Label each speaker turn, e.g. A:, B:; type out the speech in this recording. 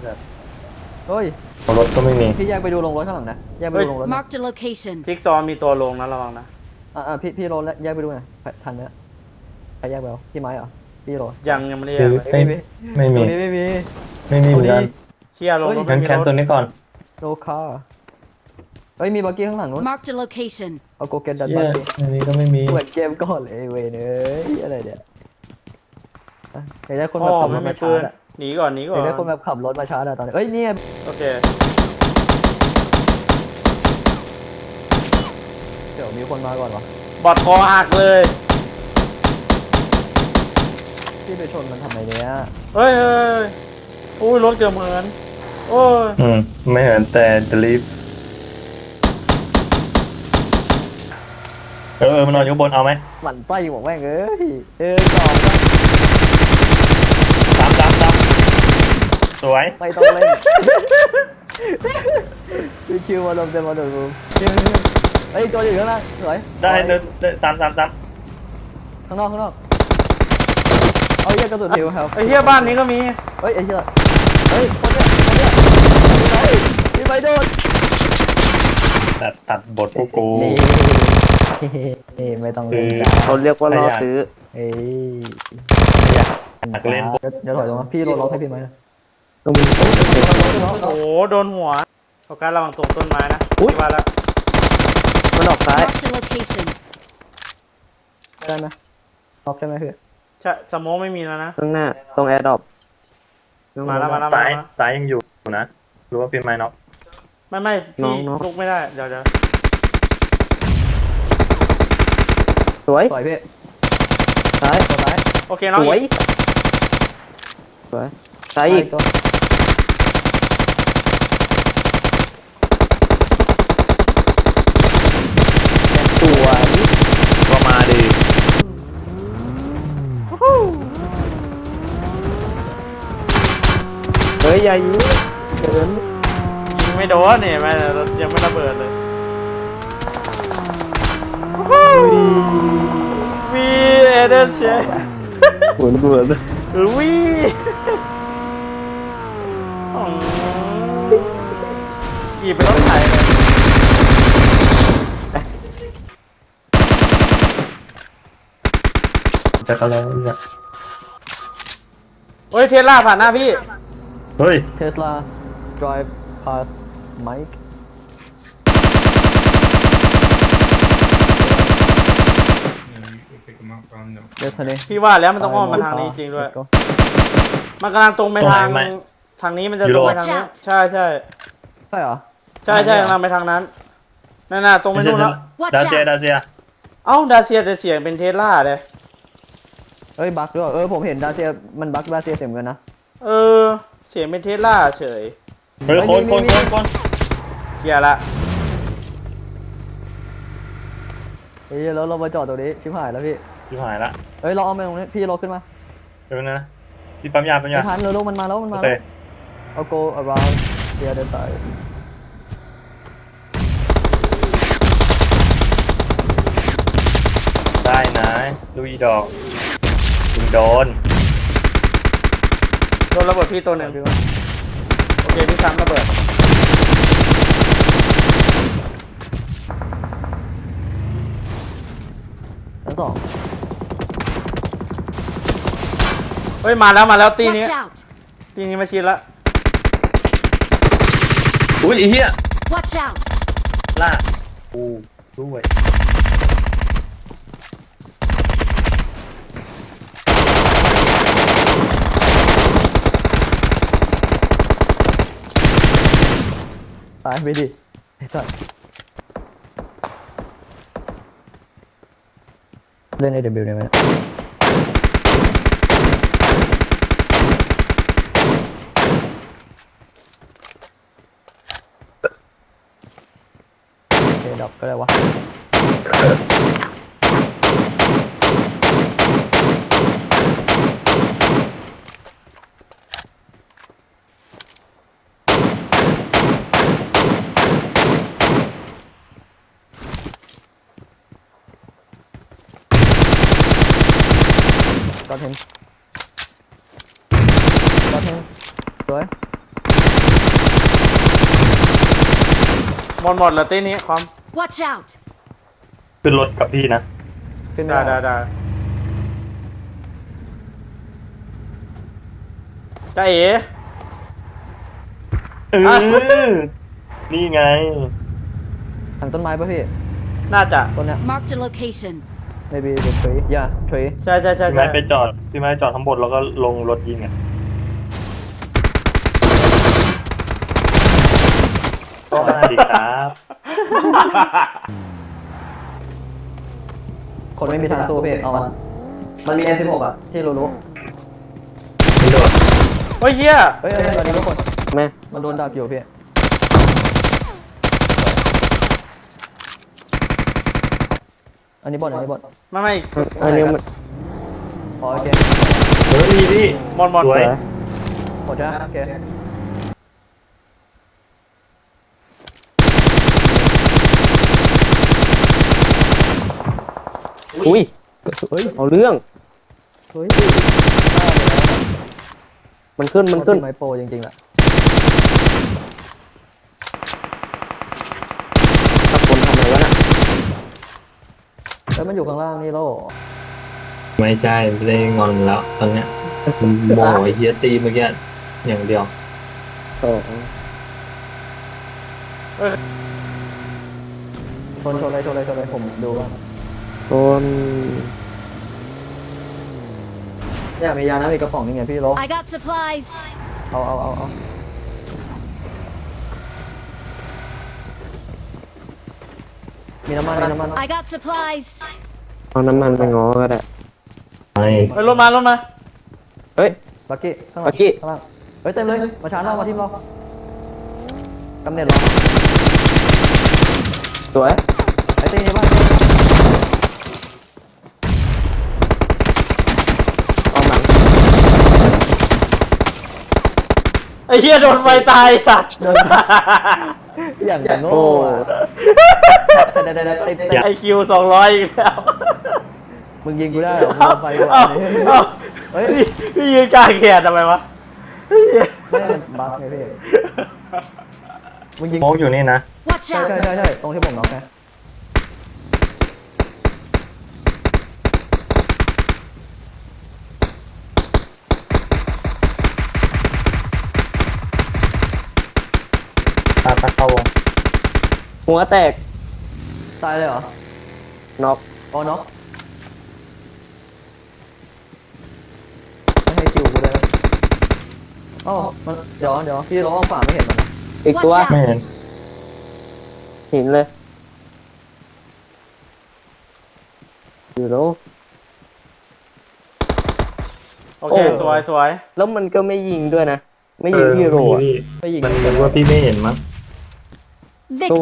A: แบบ
B: เฮ้ย
A: รถก็ไม่มี
B: พี่แยกไปดูลงรถข้างหลังนะแยกไปดูลงรถ
C: Marked a location.
D: จิ๊กซอว์มีตัวลงนะระวังนะ
B: พี่โรแยกไปดูหน่อยทันเนี้ยใครแยกไปแล้วพี่ไม้เหรอพี่โร
D: ยังไม่ได้
A: คือ
D: แยกเลย
A: ไม่มี
B: ตรงนี้ไม่มี
A: ไม่มีเหมือนกัน
D: เฮียลงรถ
A: งั้
D: ไม่
A: น
D: มี
A: แคน
D: ร
A: ตัว
D: ถ
A: นี้ก่อน
B: โลคาเฮ้ยมีบักกี้ข้างหลังนู้น
C: Marked a location.
B: เอาโกเกตดัน
A: เย้
B: บักกี้
A: อันนี้ก็ไม่มี
B: เหมือนเกมก่อนเลยเว้ยเนยอะไรเนี่ยเห็นได้คน
D: อ๋
B: แบบ
D: อ
B: ขับร
D: ไม่
B: ถ
D: มี
B: มา
D: ปื
B: ชาน ร์จอะ
D: หนีก่อนหนีก่อ
B: เห็น
D: น
B: ได้คนแบบขับรถมาชาร์จอะตอนนี้เอ้ยเนี่ย
D: โอเค
B: เดี๋ยวมีคนมาก่อนวะ
D: บอดคอหักเลย
B: พี่ไปชนมันทำไมเนี่ย
D: เฮ้ยอุ้ยรถเกือบเหมือนโอ้ย
A: ไม่เห็นแต่จะรีบมันนอนอยู่บนเอาไหม
B: หมั่นไส้บอกแม่งเอ้ยจอด
A: ซ้ำสวย
B: ไม่ต้องเล่นคิวมาลมเต็มมาดูเฮ้ยตัวอยู่ข้างล่างสวย
A: ได้ซ้ำ
B: ข้างนอกเอาเยี่ยกระสุนหิวครับ
D: ไอ้เฮียบ้านนี้ก็มี
B: เฮ้ยไอ้เหี้ยเฮ้ยคนเนี้ยพี่ไปโดน
A: ตัดบทพวกกู
B: นี่ไม่ต้องเล่น
E: เขาเรียกว่าล่อซื้อ
B: เอ้ย
A: อยากเล่น
B: เดี๋ยวถอยลงมาพี่โดนล็อกให้พี่ไหม
E: ต้องมี
D: โอ้โหโดนหัวโอกาสระวังตรงต้นไม้นะที่ว่าแล้ว
E: มันออกซ้าย
C: Marked a location.
B: ได้ไหมล็อกใช่ไหมพี่
D: ใช่สโมองไม่มีแล้วนะ
E: ข้างหน้า ตรงแอร์ดรอป
D: มาแล้ว
A: ซ้ายยังอยู่นะรู้ว่าเป็นไม้น็อก
D: ไม่พี่ลุกไม่ได้เดี๋ยว
E: สวย
B: ต่อยพี่
E: ซ้าย
B: ตัวซ้าย
D: โอเคน้อง
E: สวย
D: อีก
E: สวยซ้ายอีก
B: ตัว
E: สวยก็มาดิเฮ้ยอย่ายิงเดิน
D: ยิงไม่โดนเนี่ยรถยังไม่ระเบิดเลยวีเอเดนเชย
E: หมุนกูเลย
D: วีขี่ไปรถไถเลย
A: จะก็แล้วจะ
D: เฮ้ยเทสลาผ่านหน้าพี่
A: เฮ้ย
B: เทสลา drive past Mike เดี๋ยวทะเล
D: พี่ว่าแล้วมันต้องอ้อมมาทางนี้จริงด้วย มันกำลังตรงไปทางนี้มันจะตรงไปทางนี้ใช่
B: ใช่เหรอ
D: กำลังไปทางนั้นนั่นตรงไปนู่นแล้ว
A: ดาเซีย
D: เอ้าดาเซียจะเสียงเป็นเทสลาเลย
B: เอ้ยบั๊กด้วยผมเห็นดาเซียมันบั๊กดาเซียเต็มกันนะ
D: เสียงเป็นเทสลาเฉย
A: เฮ้ยคน
D: เกียร์ละ
B: เฮ้ยแล้วเรามาจอดตรงนี้ชิบหายแล้วพี่
A: ที่หายละ
B: เฮ้ยเราเอาไปตรงนี้พี่เราขึ้นมา
A: เดี๋ยวนะที่ปั๊มยา
B: ไม่ทันเร็วๆมันมาแล้ว
A: โอเค
B: เอา go around the other side
A: ได้นะลุยดอกถึงโดน
D: โดนระเบิดพี่ตัวหนึ่งโอเคพี่ซ้ำระเบิด
B: ชั้นสอง
D: เฮ้ยมาแล้วตีนี้
C: Watch out.
D: ตีนี้มาชิดละ
A: อุ้ยไอ้เหี้ย
C: Watch out.
A: ล่ากูด้วย
B: ตายไปดิไอ้สัสเล่น AW ได้ไหมดับก็ได้วะก็เห็นสวย
D: หมดแล้วตีนี้ความ
C: Watch out!
A: ขึ้นรถกับพี่นะ
B: ขึ้นไม่
D: ได้
B: ได้
D: จ้าเอ๋
A: นี่ไง
B: ทางต้นไม้ป่ะพี่
D: น่าจะ
B: ต้นเนี้ย
C: Marked a location.
B: maybe the tree yeah tree
D: ใช่
A: พี่ไม้ไปจอดพี่ไม้จอดข้างบนแล้วก็ลงรถยิงอ่ะก็มาดิครับ
B: คนไม่มีทางสู้พี่เอามันมี M16 อ่ะที่รู้
A: ไม่โดด
D: โอ้ยเฮีย
B: เฮ้ยตอนนี้ทุกคน
E: แม่
B: มันโดนดักอยู่พี่อันนี้บอลอันนี้บอล
D: ไม่
E: อันนี้มัน
B: อ๋อโอเค
A: เฮ้ยพี่
D: หมด
A: สวย
B: หมดใช่ไหมโอเค
E: อุ้ย
B: เฮ้ย
E: เอาเรื่อง
B: เฮ้ย
E: มันขึ้น
B: ไมโปรจริงๆแหละ
E: ตะโกนทำอะไรวะน่ะ
B: แล้วมันอยู่ข้างล่างนี่แล้วเหรอ
F: ไม่ใช่ไม่ได้งอนแล้วตอนเนี้ยโมโหไอ้เฮียตีเมื่อกี้อย่างเดียว
E: โอ้
B: ชนเลยผมดูบ้าง
E: โดน
B: เนี่ยมียานะมีกระป๋องนี่ไงพี่โล
C: I got supplies.
B: เอามีน้ำมัน
C: I got supplies.
E: เอาน้ำมันไปง้อก็ได้
F: ไม่
D: ๆไปรถมา
E: เฮ้ย
B: บักกี้ข้างหลัง
E: บักกี้
B: ข้างล่างเฮ้ยเต็มเลยมาชาร์จเรามาทีมเรากำเนิดเรา
E: สวย
B: ไอ้ตีนี่บ้าน
E: เอาหนัง
D: ไอ้เฮียโดนไฟตายสัตว์
B: อย่างจะโง่
E: โอ้
B: ได้
D: ไอคิว200อีกแล้ว
B: มึงยิงกูได้เหรอมึงเอาไฟกู
D: เอ้า
B: เอ้า
D: เฮ้ยพี่ยืนกลางแขนทำไมวะ
B: ไม่มันบั๊กไงพี่มึงยิง
A: โมกอยู่นี่นะ
C: Watch
B: ใช่
C: out!
B: ตรงที่ผมน็อกไง
A: ตาเข้าวง
E: หัวแตก
B: ตายเลยเหรอ
E: น็อก
B: อ๋อน็อกไม่ให้คิวกูเลยอ๋อมันเดี๋ยวพี่ร้องฝ่าไม่เห็นมันนะ
E: อีกตัว
C: Watch out
A: ไม่เห็น
E: หินเลย อยู่แล้ว
D: โอเค สวย
E: แล้วมันก็ไม่ยิงด้วยนะ ไม่ยิงพี่โรอ่ะ
A: พี่
B: ไม่ยิง
A: มันว่าพี่ไม่เห็นมั้ง